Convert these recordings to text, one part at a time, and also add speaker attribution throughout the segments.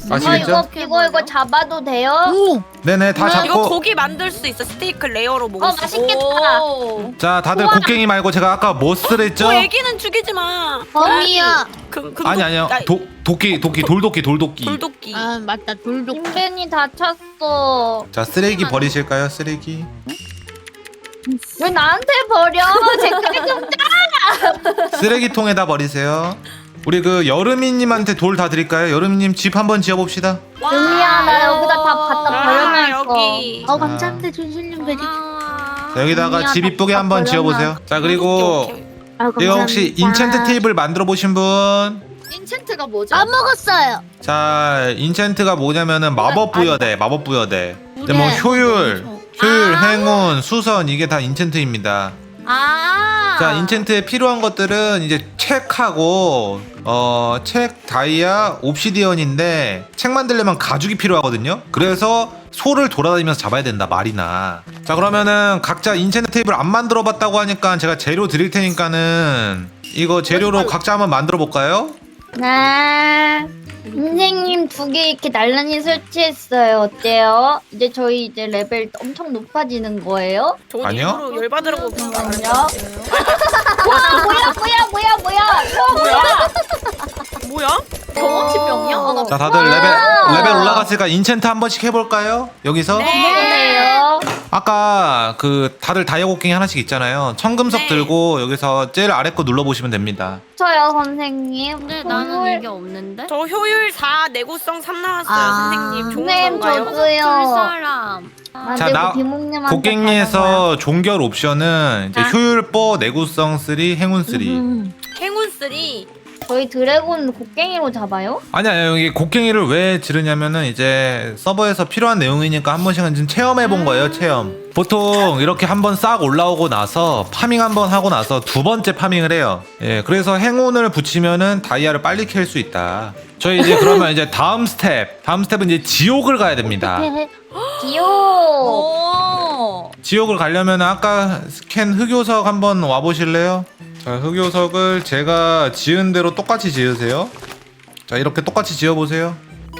Speaker 1: 아시겠죠?
Speaker 2: 이거 잡아도 돼요?
Speaker 3: 오.
Speaker 1: 네네 다
Speaker 4: 이거
Speaker 1: 잡고.
Speaker 4: 고기 만들 수 있어. 스테이크 레어로 먹을 수 있어.
Speaker 2: 맛있겠다.
Speaker 1: 자 다들 곡괭이 말고 제가 아까 뭐 쓰랬죠?
Speaker 4: 애기는 죽이지 마.
Speaker 3: 범이야.
Speaker 1: 아니 아니요 도끼 돌도끼
Speaker 4: 돌도끼.
Speaker 3: 아 맞다 돌도.
Speaker 2: 인벤이 다 찼어.
Speaker 1: 자 쓰레기 버리실까요? 쓰레기.
Speaker 2: 왜 나한테 버려? 제끼리 좀 짜!
Speaker 1: 쓰레기통에다 버리세요. 우리 그 여름이님한테 돌 다 드릴까요? 여름이님 집 한번 지어봅시다.
Speaker 2: 은미야 나 여기다 다 갖다 버려놨어.
Speaker 4: 여기.
Speaker 3: 감사합니다 준실님 베리.
Speaker 1: 자, 여기다가
Speaker 2: 은미야,
Speaker 1: 집
Speaker 2: 다
Speaker 1: 이쁘게 한번
Speaker 2: 버려놔.
Speaker 1: 지어보세요. 자 그리고 이거 혹시 인챈트 테이블 만들어 보신 분?
Speaker 5: 인챈트가 뭐죠?
Speaker 3: 까먹었어요.
Speaker 1: 자 인챈트가 뭐냐면은 마법 부여대. 근데 뭐 효율, 행운, 수선 이게 다 인챈트입니다. 자 인챈트에 필요한 것들은 이제 책하고 책, 다이아, 옵시디언인데 책 만들려면 가죽이 필요하거든요. 그래서 소를 돌아다니면서 잡아야 된다 말이나. 자 그러면은 각자 인챈트 테이블 안 만들어 봤다고 하니까 제가 재료 드릴 테니까는 이거 재료로 각자 한번 만들어 볼까요?
Speaker 2: 네. 선생님 2개 이렇게 나란히 설치했어요. 어때요? 이제 저희 이제 레벨 엄청 높아지는 거예요?
Speaker 4: 저
Speaker 1: 아니요.
Speaker 4: 일부러 열받으라고 그런 거
Speaker 2: 아니요.
Speaker 4: 아니야? 뭐야?
Speaker 5: 경험치병이야?
Speaker 1: 자 다들 레벨 올라갔으니까 인챈트 한 번씩 해볼까요? 여기서?
Speaker 2: 그래요?
Speaker 1: 아까 그 다들 다이아 곡괭이 하나씩 있잖아요. 청금석
Speaker 4: 네.
Speaker 1: 들고 여기서 제일 아래 거 눌러보시면 됩니다.
Speaker 2: 저요 선생님.
Speaker 3: 근데 나는 이게 없는데.
Speaker 4: 저 효율 4, 내구성 3 나왔어요.
Speaker 3: 아.
Speaker 4: 선생님 좋은
Speaker 2: 선생님
Speaker 4: 건가요?
Speaker 2: 저도요.
Speaker 3: 사람.
Speaker 1: 자, 나
Speaker 2: 비몽님한테
Speaker 1: 곡괭이에서 종결 옵션은 이제
Speaker 4: 아.
Speaker 1: 효율 4, 내구성 3, 행운 3.
Speaker 4: 행운 3.
Speaker 2: 저희 드래곤 곡괭이로 잡아요?
Speaker 1: 아니야 여기 곡괭이를 왜 지르냐면은 이제 서버에서 필요한 내용이니까 한 번씩은 좀 체험해 본 거예요. 체험. 보통 이렇게 한번 싹 올라오고 나서 파밍 한번 하고 나서 두 번째 파밍을 해요. 예, 그래서 행운을 붙이면은 다이아를 빨리 캘 수 있다. 저희 이제 그러면 이제 다음 스텝은 이제 지옥을 가야 됩니다.
Speaker 2: 귀여워.
Speaker 1: 지옥을 가려면 아까 캔 흑요석 한번 와보실래요? 자 흑요석을 제가 지은 대로 똑같이 지으세요. 자 이렇게 똑같이 지어보세요.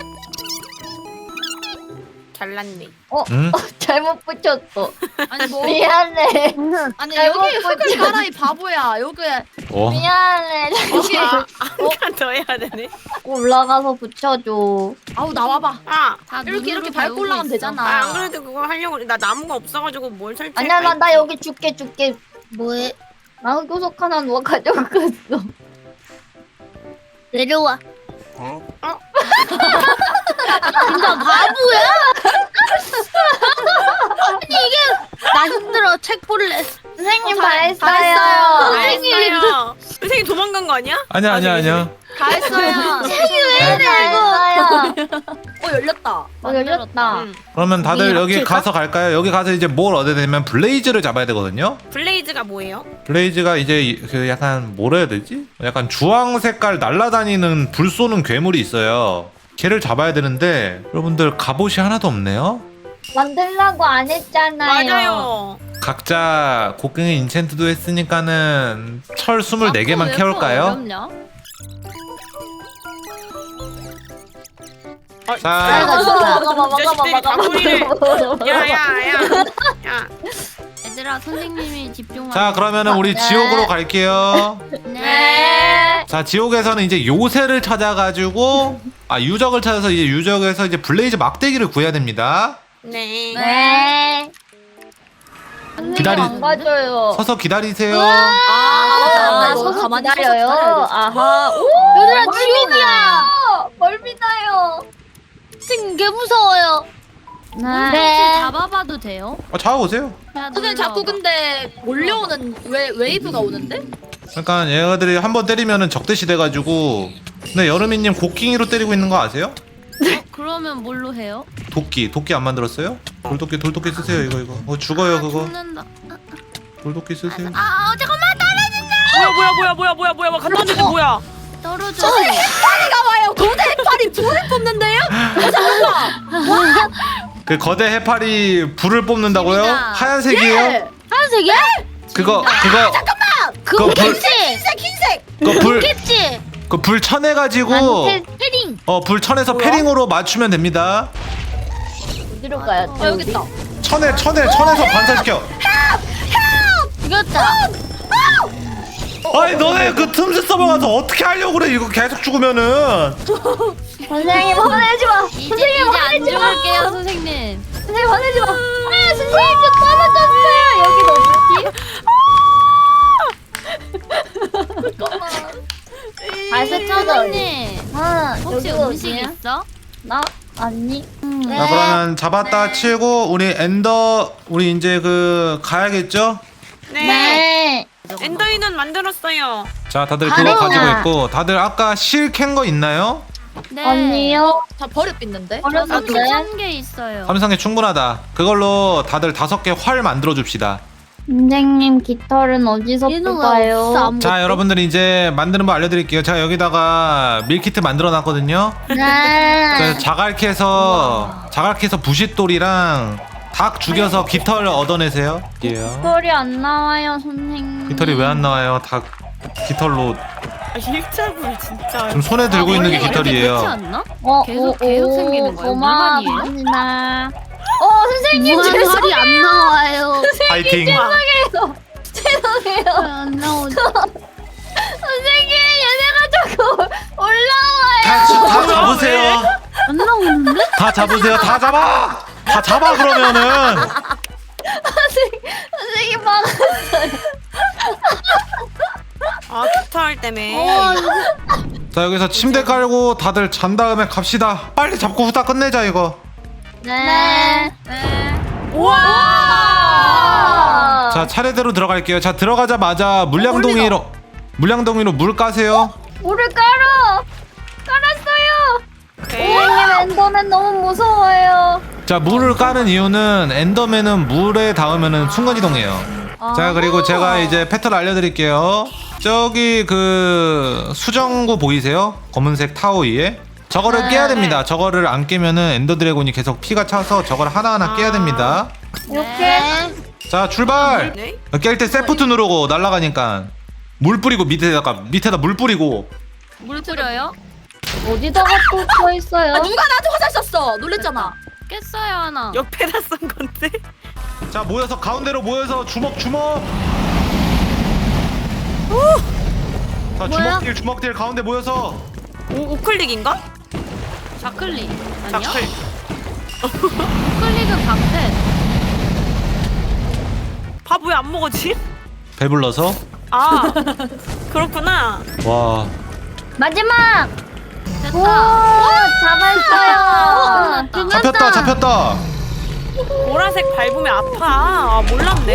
Speaker 4: 잘났네.
Speaker 1: 응?
Speaker 2: 잘못 붙였어.
Speaker 5: 아니 뭐
Speaker 2: 미안해.
Speaker 5: 아니
Speaker 2: 잘못
Speaker 5: 여기 흙을 깔아 이 바보야. 여기
Speaker 1: 어?
Speaker 2: 미안해.
Speaker 5: 여기
Speaker 4: 한칸 더 해야 되네.
Speaker 2: 올라가서 붙여줘.
Speaker 5: 아우 나와봐. 이렇게 밟고 올라가면 되잖아.
Speaker 4: 안 그래도 그거 하려고 나 나무가 없어가지고 뭘 설치?
Speaker 2: 아니야 나 여기 줄게.
Speaker 3: 뭐해?
Speaker 2: 나 흑요석 하나 누가 가져갔어.
Speaker 3: 내려와. 진짜 바보야? 아니 이게 나 힘들어 책 볼래.
Speaker 2: 선생님
Speaker 5: 다
Speaker 2: 다
Speaker 5: 했어요.
Speaker 2: 했어요.
Speaker 4: 알았어요. 선생님 도망간 거 아니야?
Speaker 1: 아니야.
Speaker 5: 다 했어요. 열렸다.
Speaker 2: 열렸다.
Speaker 4: 응.
Speaker 1: 그러면 다들
Speaker 3: 우리
Speaker 1: 여기
Speaker 3: 합칠까?
Speaker 1: 가서 갈까요? 여기 가서 이제 뭘 얻어야 되냐면 블레이즈를 잡아야 되거든요.
Speaker 4: 블레이즈가 뭐예요?
Speaker 1: 블레이즈가 이제 그 약간 뭐라 해야 되지? 약간 주황 색깔 날아다니는 불 쏘는 괴물이 있어요. 걔를 잡아야 되는데 여러분들 갑옷이 하나도 없네요.
Speaker 2: 만들라고 안 했잖아요.
Speaker 4: 맞아요.
Speaker 1: 각자 곡괭이 인챈트도 했으니까는 철 24개만 캐올까요? 자,
Speaker 4: 자식들이 다구리를. 야야야. 야.
Speaker 3: 얘들아 선생님이 집중하.
Speaker 1: 자 그러면은 우리
Speaker 2: 네.
Speaker 1: 지옥으로 갈게요.
Speaker 2: 네.
Speaker 1: 자 지옥에서는 이제 요새를 찾아가지고 유적을 찾아서 이제 유적에서 이제 블레이즈 막대기를 구해야 됩니다.
Speaker 4: 네.
Speaker 2: 네.
Speaker 1: 기다리-
Speaker 2: 안 가져요.
Speaker 1: 서서 기다리세요.
Speaker 2: 서서
Speaker 5: 가만히
Speaker 2: 기다려요.
Speaker 5: 서서
Speaker 2: 아하.
Speaker 3: 얘들아 지옥이야.
Speaker 2: 멀미나요.
Speaker 3: 지금 개 무서워요.
Speaker 2: 네.
Speaker 3: 잡아봐도 돼요?
Speaker 1: 잡아보세요.
Speaker 5: 근데 자꾸 근데 몰려오는 웨이브가 오는데?
Speaker 1: 그러니까 얘네들이 한번 때리면은 적대시 돼가지고. 근데 여름이님 곡괭이로 때리고 있는 거 아세요?
Speaker 3: 그러면 뭘로 해요?
Speaker 1: 도끼 안 만들었어요? 돌도끼 쓰세요. 이거 죽어요 그거.
Speaker 3: 죽는다.
Speaker 1: 돌도끼 쓰세요.
Speaker 3: 잠깐만
Speaker 4: 뭐야 갔다 왔는데 뭐야?
Speaker 3: 떨어져.
Speaker 5: 해파리가 와요. 고대 해파리 불을 뽑는데요?
Speaker 1: 그 거대 해파리 불을 뽑는다고요?
Speaker 3: 재밌다.
Speaker 1: 하얀색이에요?
Speaker 3: 하얀색이야?
Speaker 1: 그거
Speaker 3: 그거
Speaker 1: 불-
Speaker 3: 겠지
Speaker 5: 흰색.
Speaker 1: 그거 불
Speaker 3: 겠지
Speaker 1: 그 불 쳐내가지고
Speaker 2: 패딩
Speaker 1: 불 쳐내서 패링으로 맞추면 됩니다.
Speaker 2: 어디로 가야 돼?
Speaker 5: 여기 있다.
Speaker 1: 쳐내서 반사시켜.
Speaker 2: 이겼다.
Speaker 1: 아니 너네 그 틈새 서버 가서 어떻게 하려고 그래? 이거 계속 죽으면은.
Speaker 2: 선생님 화내지 마.
Speaker 3: 이제
Speaker 2: 선생님
Speaker 3: 안
Speaker 2: 화내지 마.
Speaker 3: 죽을게요 선생님.
Speaker 2: 선생님 화내지 마. 아 선생님 저 떨어졌어요. 여기 어디지?
Speaker 3: 선생님 혹시
Speaker 2: 여기가
Speaker 3: 음식
Speaker 2: 어디야?
Speaker 3: 있어?
Speaker 2: 나 아니.
Speaker 1: 자 그러면 잡았다 치고 우리 우리 이제 그 가야겠죠?
Speaker 4: 네.
Speaker 2: 네.
Speaker 4: 엔더인은 만들었어요.
Speaker 1: 자 다들 그거
Speaker 2: 가래나.
Speaker 1: 가지고 있고 다들 아까 실 캔 거 있나요?
Speaker 3: 네.
Speaker 2: 언니요?
Speaker 5: 다 버릇빛는데?
Speaker 2: 버렸는데?
Speaker 3: 33개 있어요.
Speaker 1: 삼성에 충분하다. 그걸로 다들 5개 활 만들어 줍시다.
Speaker 2: 선생님 깃털은 어디서 뽑아요?
Speaker 1: 자 여러분들 이제 만드는 법 알려드릴게요. 제가 여기다가 밀키트 만들어 놨거든요.
Speaker 2: 네.
Speaker 1: 자갈캐에서 부싯돌이랑 닭 죽여서 깃털 얻어내세요.
Speaker 2: 깃털이 안 나와요 선생님.
Speaker 1: 깃털이 왜 안 나와요? 닭 깃털로
Speaker 4: 일자굴 진짜.
Speaker 1: 지금 손에 들고 있는 게
Speaker 3: 원래 이렇게 그렇지
Speaker 1: 깃털이에요.
Speaker 3: 않나?
Speaker 2: 어,
Speaker 3: 계속 생기는 거예요? 물만이에요?
Speaker 2: 고마워합니다. 선생님
Speaker 3: 무한
Speaker 2: 죄송해요.
Speaker 3: 활이 안 나와요.
Speaker 1: 파이팅.
Speaker 2: 죄송해요.
Speaker 3: 안 나오죠.
Speaker 2: 선생님 얘네가 자꾸 올라와요.
Speaker 1: 다 잡으세요.
Speaker 3: 안 나오는데?
Speaker 1: 다 잡으세요. 다 잡아. 다 잡아 그러면은.
Speaker 2: 선생님 막았어요.
Speaker 4: 아 깃털 때문에.
Speaker 1: 자 여기서 침대 깔고 다들 잔 다음에 갑시다. 빨리 잡고 후딱 끝내자 이거.
Speaker 2: 네.
Speaker 4: 우와.
Speaker 1: 자 차례대로 들어갈게요. 자 들어가자마자 물량동이로 물 까세요.
Speaker 2: 물을 깔았어요.
Speaker 4: 오케이.
Speaker 2: 선생님 엔더맨 너무 무서워요.
Speaker 1: 자 물을 까는 이유는 엔더맨은 물에 닿으면은 순간이동해요. 자 그리고 제가 이제 패턴 알려드릴게요. 저기 그 수정구 보이세요? 검은색 타워 위에 저거를 깨야 됩니다. 저거를 안 깨면은 엔더 드래곤이 계속 피가 차서 저걸 하나하나 깨야 됩니다.
Speaker 2: 이렇게
Speaker 1: 자 출발.
Speaker 4: 네?
Speaker 1: 깰 때 세프트 누르고 날아가니까 물 뿌리고 밑에다 물 뿌리고.
Speaker 3: 물 뿌려요?
Speaker 2: 어디다가 또 써 있어요?
Speaker 5: 누가 나한테 화살 쐈어? 놀랬잖아.
Speaker 3: 깼어요 하나.
Speaker 4: 옆에다 쓴 건데.
Speaker 1: 자 모여서 가운데로 모여서 주먹. 자 주먹딜 가운데 모여서.
Speaker 4: 우클릭인가?
Speaker 3: 좌클릭 아니요?
Speaker 1: 자
Speaker 3: 우클릭은 방패.
Speaker 4: 밥 왜 안 먹었지?
Speaker 1: 배불러서.
Speaker 4: 아 그렇구나.
Speaker 1: 와.
Speaker 2: 마지막. 오
Speaker 3: 됐다.
Speaker 2: 잡았어요.
Speaker 1: 잡혔다.
Speaker 4: 보라색 밟으면 아파. 아 몰랐네.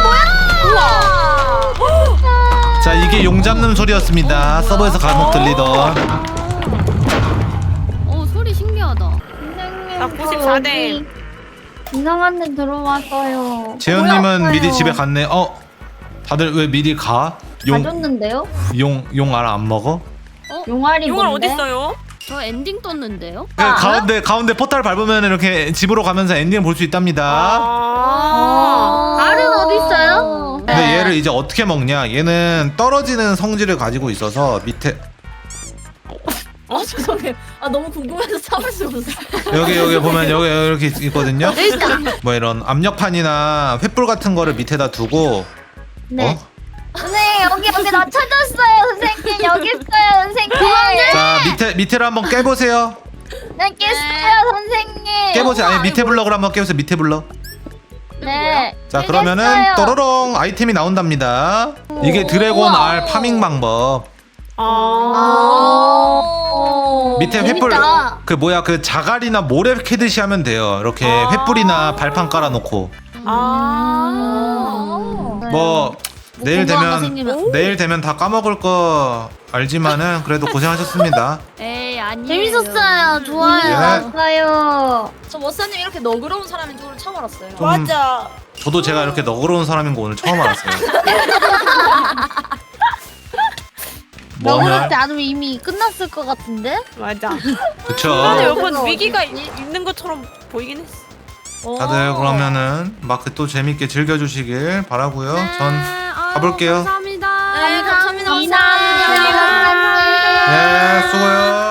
Speaker 1: 자 이게 용 잡는 소리였습니다. 서버에서 간혹 들리던.
Speaker 3: 소리 신기하다.
Speaker 2: 선생님
Speaker 4: 나
Speaker 2: 저
Speaker 4: 94대.
Speaker 2: 여기 이상한 데 들어왔어요.
Speaker 1: 재현님은 미리 집에 갔네. 다들 왜 미리 가?
Speaker 2: 가졌는데요?
Speaker 1: 용 알 안 먹어?
Speaker 2: 용알이
Speaker 4: 용알
Speaker 2: 뭔데?
Speaker 4: 어딨어요?
Speaker 3: 저 엔딩 떴는데요?
Speaker 1: 가운데 포탈 밟으면 이렇게 집으로 가면서 엔딩 볼 수 있답니다.
Speaker 2: 알은 어디 있어요?
Speaker 1: 근데 얘를 이제 어떻게 먹냐? 얘는 떨어지는 성질을 가지고 있어서 밑에
Speaker 5: 죄송해요. 너무 궁금해서 참을 수 없어.
Speaker 1: 여기 보면 여기 이렇게 있거든요. 뭐 이런 압력판이나 횃불 같은 거를 밑에다 두고.
Speaker 2: 네. 선생님 여기 나 찾았어요. 선생님 여기 있어요. 선생님.
Speaker 1: 자 밑에를 한번 깨보세요.
Speaker 2: 네 깼어요 선생님.
Speaker 1: 깨보세요. 아니 밑에 블럭을 한번 깨보세요. 밑에 블럭.
Speaker 2: 네.
Speaker 1: 자 그러면은 또로롱 아이템이 나온답니다. 이게 드래곤 알 파밍 방법. 밑에 횃불 그 뭐야 그 자갈이나 모래 캐듯이 하면 돼요. 이렇게 횃불이나 발판 깔아놓고. 뭐 내일 되면 다 까먹을 거 알지만은 그래도 고생하셨습니다.
Speaker 3: 에이 아니에요.
Speaker 2: 재밌었어요. 좋아요.
Speaker 1: 예.
Speaker 2: 좋아요.
Speaker 5: 저 워사님 이렇게 너그러운 사람인 줄 처음 알았어요.
Speaker 1: 좀
Speaker 4: 맞아.
Speaker 1: 저도 제가 이렇게 너그러운 사람인 거 오늘 처음 알았어요.
Speaker 2: 너그럽지 않으면 이미 끝났을 것 같은데?
Speaker 4: 맞아.
Speaker 1: 그쵸?
Speaker 4: 근데 여러분 위기가 있는 것처럼 보이긴 했어.
Speaker 1: 다들 그러면은 마크 또 재밌게 즐겨주시길 바라고요. 전 가볼게요.
Speaker 3: 감사합니다.
Speaker 5: 네, 감사합니다.
Speaker 2: 감사합니다.
Speaker 1: 예, 수고요.